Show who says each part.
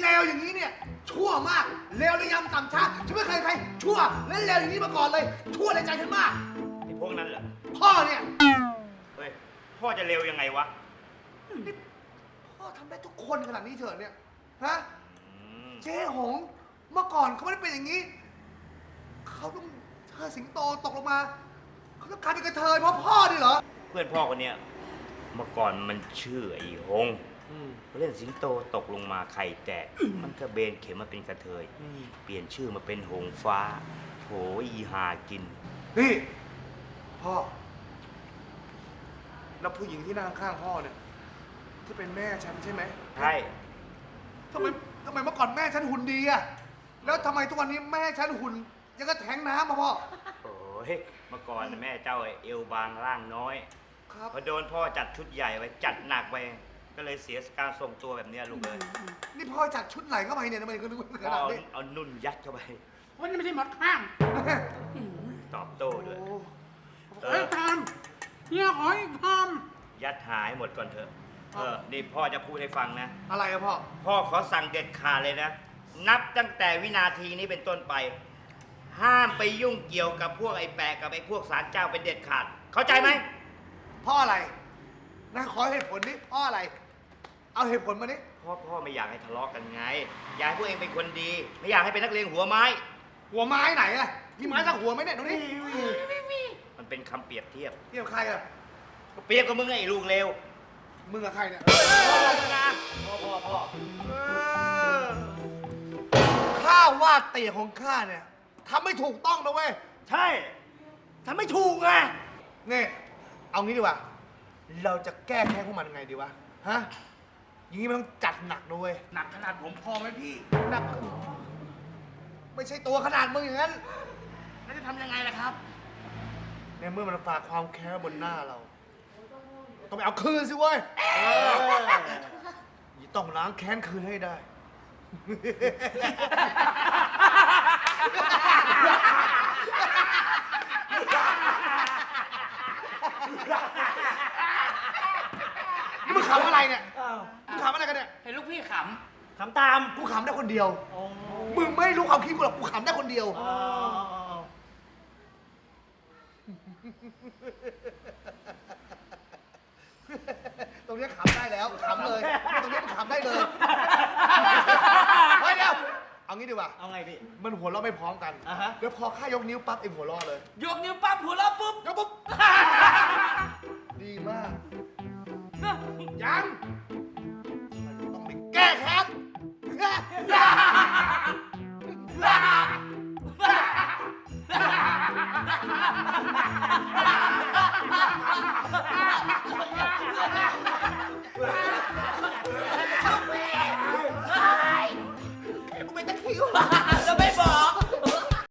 Speaker 1: เลวอย่างนี้เนี่ยชั่วมากเลวระยำต่ำช้าฉันไม่เคยใครชั่วและเลวอย่างนี้มาก่อนเลยชั่วในใจฉันมาก
Speaker 2: ไอ้พวกนั้นเหรอ
Speaker 1: พ่อเนี่ย
Speaker 2: เฮ้ย พ่อจะเร็วยังไงวะ
Speaker 1: นี่พ่อทำได้ทุกคนขนาดนี้เถอะเนี่ยฮะเจ๊หงเมื่อก่อนเขาไม่ได้เป็นอย่างนี้เขาต้องเธอสิงโตตกลงมาเขาต้องกลายเป็นกระเทยเพราะพ่อดิเหรอ
Speaker 2: เพื่อนพ่อคนเนี้ยเมื่อก่อนมันชื่อไอ้หงเล่นสิงโตตกลงมาไข่แตกมันก็เบนเข็มมาเป็นกระเทยเปลี่ยนชื่อมาเป็นหงฟ้าโถอีหากิน
Speaker 1: นี่พ่อแล้วผู้หญิงที่นั่งข้างพ่อเนี่ยที่เป็นแม่ฉันใช่ไหม
Speaker 2: ใช่
Speaker 1: ทำไมเมื่อก่อนแม่ฉันหุ่นดีอะแล้วทำไมทุกวันนี้แม่ฉันหุ่นยังก็แทงน้ำมาพ่อ
Speaker 2: โอ้ยเมื่อก่อนแม่เจ้าเอวบางร่างน้อย
Speaker 1: ครับ
Speaker 2: พอโดนพ่อจัดชุดใหญ่ไว้จัดหนักไปก็เลยเสียการทรงตัวแบบเนี้ยลูกเลย
Speaker 1: นี่พ่อจัดชุดไหนเข้าไปเนี่ยทำไมก็นึกว่าข
Speaker 2: พ่อ
Speaker 1: นาดนี้
Speaker 2: เอานุ่นยัดเข้าไป
Speaker 3: วันนี้ไม่ใช่หมดข้าง
Speaker 2: ตอบโต้ด้วย
Speaker 1: โอ้
Speaker 2: เอ
Speaker 3: เฮ้ย
Speaker 2: อ
Speaker 3: ทำเฮียขออีกท
Speaker 2: ยัดหายหมดก่อนเถอะนี่พ่อจะพูดให้ฟังนะ
Speaker 1: อะไรอะพ่อ
Speaker 2: พ่อขอสั่งเด็ดขาดเลยนะ นับตั้งแต่วินาทีนี้เป็นต้นไป ห้ามไปยุ่งเกี่ยวกับพวกไอ้แปะกับไอ้พวกศาลเจ้าเป็นเด็ดขาด เข้าใจไหม
Speaker 1: พ่ออะไรนะขอเหตุผลนี้พ่ออะไร เอาเหตุผลมาดิ
Speaker 2: พ่อไม่อยากให้ทะเลาะกันไง อยากให้พวกเองเป็นคนดี ไม่อยากให้เป็นนักเลงหัวไม้
Speaker 1: หัวไม้ไหนอะมีไม้สักหัวไหมเนี่ยดูนี่
Speaker 2: มันเป็นคำเปรียบเทียบ
Speaker 1: เทียบใครอะ
Speaker 2: ก็เปรียบกับมึงไงไอ้ลูกเลว
Speaker 1: มึงกับใครเนี่ย
Speaker 2: พ่อ
Speaker 1: ข้าว่าเตี่ยของข้าเนี่ยทำไม่ถูกต้องนะเว้ย
Speaker 2: ใช่ทำไม่ถูกไง
Speaker 1: นี่เอางี้ดีกว่า เราจะแก้แค้นพวกมันยังไงดีวะ ฮะ อย่างนี้มันต้องจัดหนักด้วย
Speaker 3: ำหนักขนาดผมพอไหมพี่
Speaker 1: หนัก ไม่ใช่ตัวขนาดมึงอย่างนั้น
Speaker 3: แล้วจะทำยังไงล่ะครับ
Speaker 1: ในเมื่อมันฝากความแค้นบนหน้าเรา ต้องไปเอาคืนสิเว้ยต้องล้างแค้นคืนให้ได้ นี่มึงขำอะไรเนี่ยมึงขำอะไรกันเนี่ย
Speaker 3: เห็นลูกพี่ข
Speaker 2: ทำตาม
Speaker 1: กูขำได้คนเดียว มึงไม่รู้ความคิดกูหรอก กูขำได้คนเดียว ตรงนี้ขำได้แล้วขำเลย ตรงนี้มันขำได้เลยเฮ้ยเดี๋ยว เอางี้ดีกว่า
Speaker 2: เอาไงพี่
Speaker 1: มันหัวเราะไม่พร้อมกัน
Speaker 2: อ่าฮะ
Speaker 1: เดี๋ยวพอข้ายกนิ้วปั๊บเองหัวเราะเลย
Speaker 3: ำยกนิ้วปั๊บหัวเราะปุ๊บ
Speaker 1: ยกปุ๊บ ดีมาก ยังมันต้องไปแก้แค้น